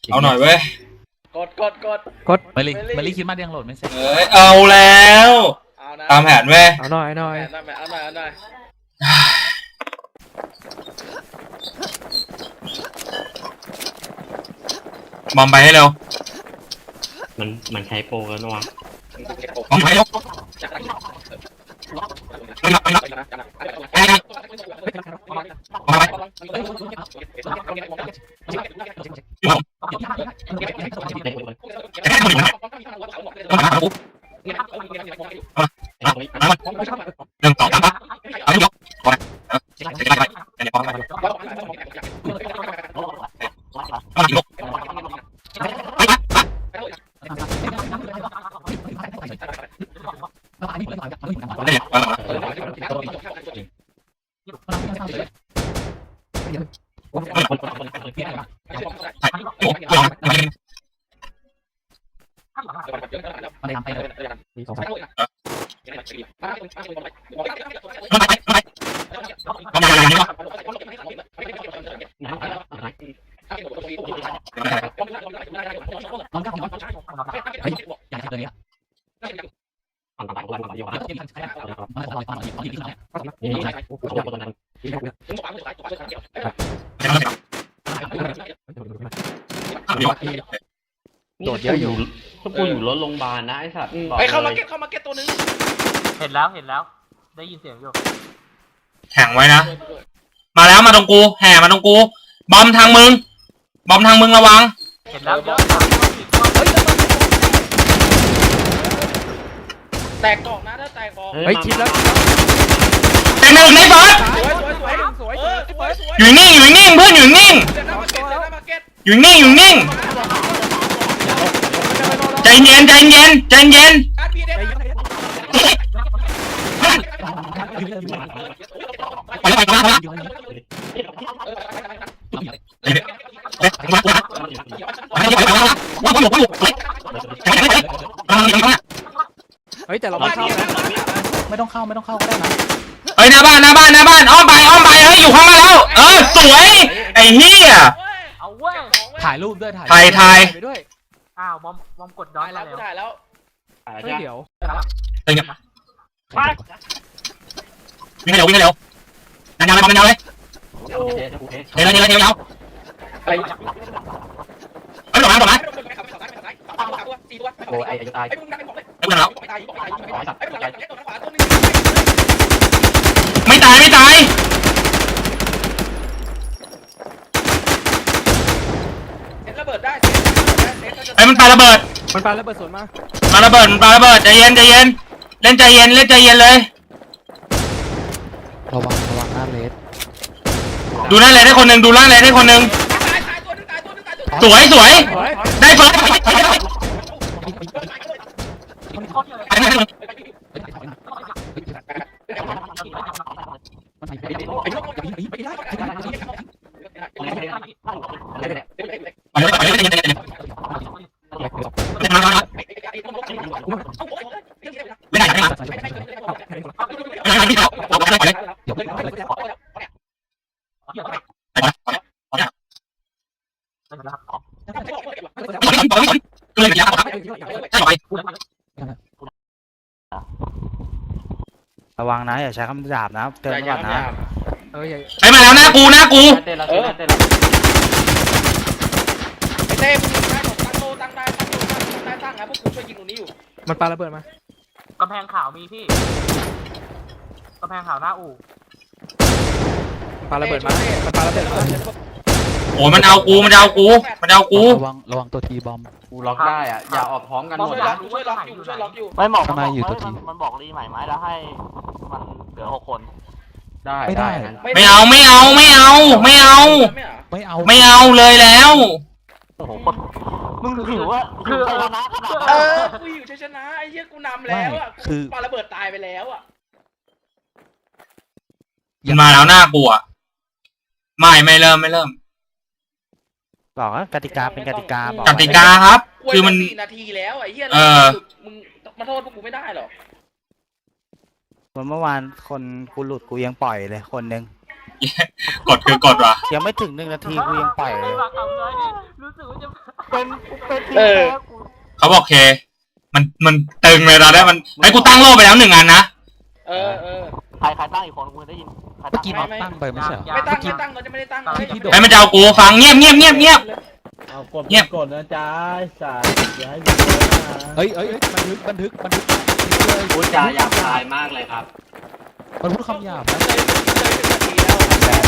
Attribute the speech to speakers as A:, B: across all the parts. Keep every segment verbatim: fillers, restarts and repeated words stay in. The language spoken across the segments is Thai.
A: เอาหน่อยเว้ย
B: กดกดกด
C: กดมาลีมาลีคิดมายังโหลดไม่เสร็จ
A: เอ้ยเอาแล้วตามแผนเว้ย
C: เอาหน่อยหน่อย
B: เอาหน่อยเอาหน่อยเอาหน่อย
A: บอมไปให้เร็ว
D: มันมันใช้โปรกันวะ
A: บอมไปเร็วไม่รับไม่รับไม่รับบอมไปหนึ่งสองสามปะเอาไม่ยกก่อนเดี๋ยวไปเดี๋ยวบอมไปเอาอีกลูกไปปะได้เนี่ยเอา
C: มาเลยทำไปเลยมีสองสาม
A: ไปไปไป
C: น้องก้าวน้องเฮ้ยอย่าใช้ตัวนี้อ่ะ
D: ฟังต่างๆกันก่อนดีกว่า
C: เดี๋ยวที่มันใช้มาขอลอยฟังหน่อยตอนที่ที่เราเนี่ย
D: นี่ใช่โอ้โหตัวนั้นโดดเยอะอยู่พวกกูอยู่รถโรงพยาบาลนะไอ้สัตว์
B: ไปเข้ามาเก็ตเข้ามาเก็ตตัวนึง
E: เห็นแล้วเห็นแล้วได้ยินเสียงอยู่
A: แข่งไว้นะมาแล้วมาตรงกูแห่มาตรงกูบอมทางมึงบอมทางมึงระวัง
E: เห็นแล้วเยอะ
B: แตกกล่องนะถ้าแตกกล่อง
C: เฮ้ยชิดแล้ว
A: แต่หนึ่งในบอส
B: สวยสวยสวยสวยสวย
A: อยู่นิ่งอยู่นิ่งเพื่อนอยู่นิ่งอยู่นิ่งอยู่นิ่งใจเย็นใจเย็นใจเย็นไปแล้วไปแล้วไปแล้ว
C: เฮ้ยแต่เราไม่เข้าไม่ต้องเข้าไม่ต้องเข้าก็ได้นะ
A: เฮ้ยหน้าบ้านหน้าบ้านหน้าบ้านอ้อมไปอ้อมไปเฮ้ยอยู่ข้างมาแล้วเออสวยไอ้เหี้ย
E: เอาเว้ย
C: ถ่ายรูปด้วยถ่าย
A: ถ่ายถ่าย
C: ไปด้วย
E: อ้าวบอมบอมกดดอย
B: แล้วถ่ายแล้ว
C: เฮ้ยเดี๋ยว
A: เป็นไงวิ่งเร็ววิ่งเร็วนั่นยาวเลยนั่นยาวเลยเดี๋ยวเดี๋ยวเดี๋ยวเดี๋ยวเฮ้ยหลบมาหลบมา
D: โอ้ไอ้จะตาย
A: ไอ้พวกนั้นแล้วไม่ตายไม่ตาย
B: ระเบิดได้
A: ไอ้มันปาระเบิด
C: มันปาระเบิดสวนมา
A: ปาระเบิดมันปาระเบิดใจเย็นใจเย็นเล่นใจเย็นเล่นใจเย็นเลย
C: ระวังระวังหน้าเลส
A: ดูหน้าเลสให้คนหนึ่งดูหน้าเลสให้คนหนึ่งสวยสวยได้เฟิร์สไม่ได้ไม่ได้ไม่ได้
C: ระวังนะอย่าใช้คำหยาบนะเตือนก่อนนะเอ้ย
A: ไปมาแล้วหน้ากูหน้ากู
B: ไอ้เต้มึงได้หมดตั้งโลตั้งได้ตั้งโลตั้งได้ตั้งนะพวกกูช่วยยิงตรงนี้อยู่
C: มันปาระเบิดม
E: ากำแพงขาวมีพี่กำแพงขาวหน้าอู่
C: ปาระเบิดมามันปาระเบิดมา
A: โอ้มันเอากูมันเอากูมันเอากู
C: ระวังระวังตัวทีบอม
D: กูล็อกได้อ่ะอย่าออกพร้อมกันหมดนะ
B: ช่วยล็อกอยู่ช่วยล็อกอยู่
E: ไม่บอกทำไมอยู่ตัวทีมันบอกรีใหม่ไหมแล้วให้มันเหลือหกคน
D: ได้ไม่ได้
A: ไม่เอาไม่เอาไม่เอาไม่เอา
C: ไม่เอา
A: ไม่เอาเลยแล้ว
E: โอ้โหมึงถือว่าคือชนะ
B: เออกูอยู่ชนะไอ้เหี้ยกูนำแล้วอ่ะคือปาระเบิดตายไปแล้วอ่ะ
A: มาแล้วหน้ากูอ่ะไม่ไม่เริ่มไม่เริ่ม
C: บอกว่ากติกาเป็นกติกาบอก
A: กติกาครับคือมัน
B: สี่นาทีแล้วไอ้เหี้ยมึงมาโทษพวกกูไม่ได้หรอก
C: วันเมื่อวานคนกูหลุดกูยังปล่อยเลยคนนึง
A: กดคือกดวะ
C: ยังไม่ถึงหนึ่งนาทีกูยังปล่อยเลย
E: รู้สึกว่าจะเป็นกูเป็นทีม
B: เออ
E: แพ้กู
A: เขาบอกเค มันมันตึงเลยตอนนี้มันไอ้กูตั้งโล่ไปแล้วหนึ่งอันนะ
B: เออเออ
E: ใครใครตั้งอีกคนกูได้ยินใคร
C: เมื่
E: ตั้
C: อง กี้น็อตตั้งไปไม่ใช่เหรอ
B: ไม่ตั้งไม่ตั้งเราจะไม่ได้ตั้งเลย
C: ที่โดด
A: ไอ้มันจะเอากูฟังเงียบเงียบเงียบเงียบ
F: เอากด
A: เงียบ
F: กดนะจ๊ะสายอย่าให้ดูนะ
C: เฮ้ยเฮ้ยเฮ้ยบันทึกบันทึกบันทึกเลย
D: พูดจาหยาบคายมากเลยครับ
C: มันพูดคำหยาบนะ
B: เลยเลยเป็นนาทีแล้ว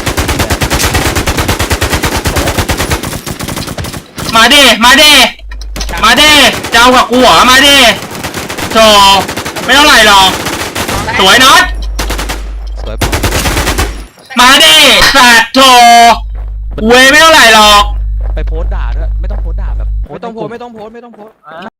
A: มาดิมาดิมาดิจะเอากับกูเหรอมาดิโธ่ไม่เท่าไหร่หรอกสวยน็อต
C: สวย
A: มาดิสัตว์โธ่เว้ยไม่เท่าไหร่หรอก
C: ไปโพสต์ด่าด้วยไม่ต้องโพสต์ด่าแบบ
G: ไม่ต้องโพสต์ไม่ต้องโพสต์ไม่ต้องโพสต์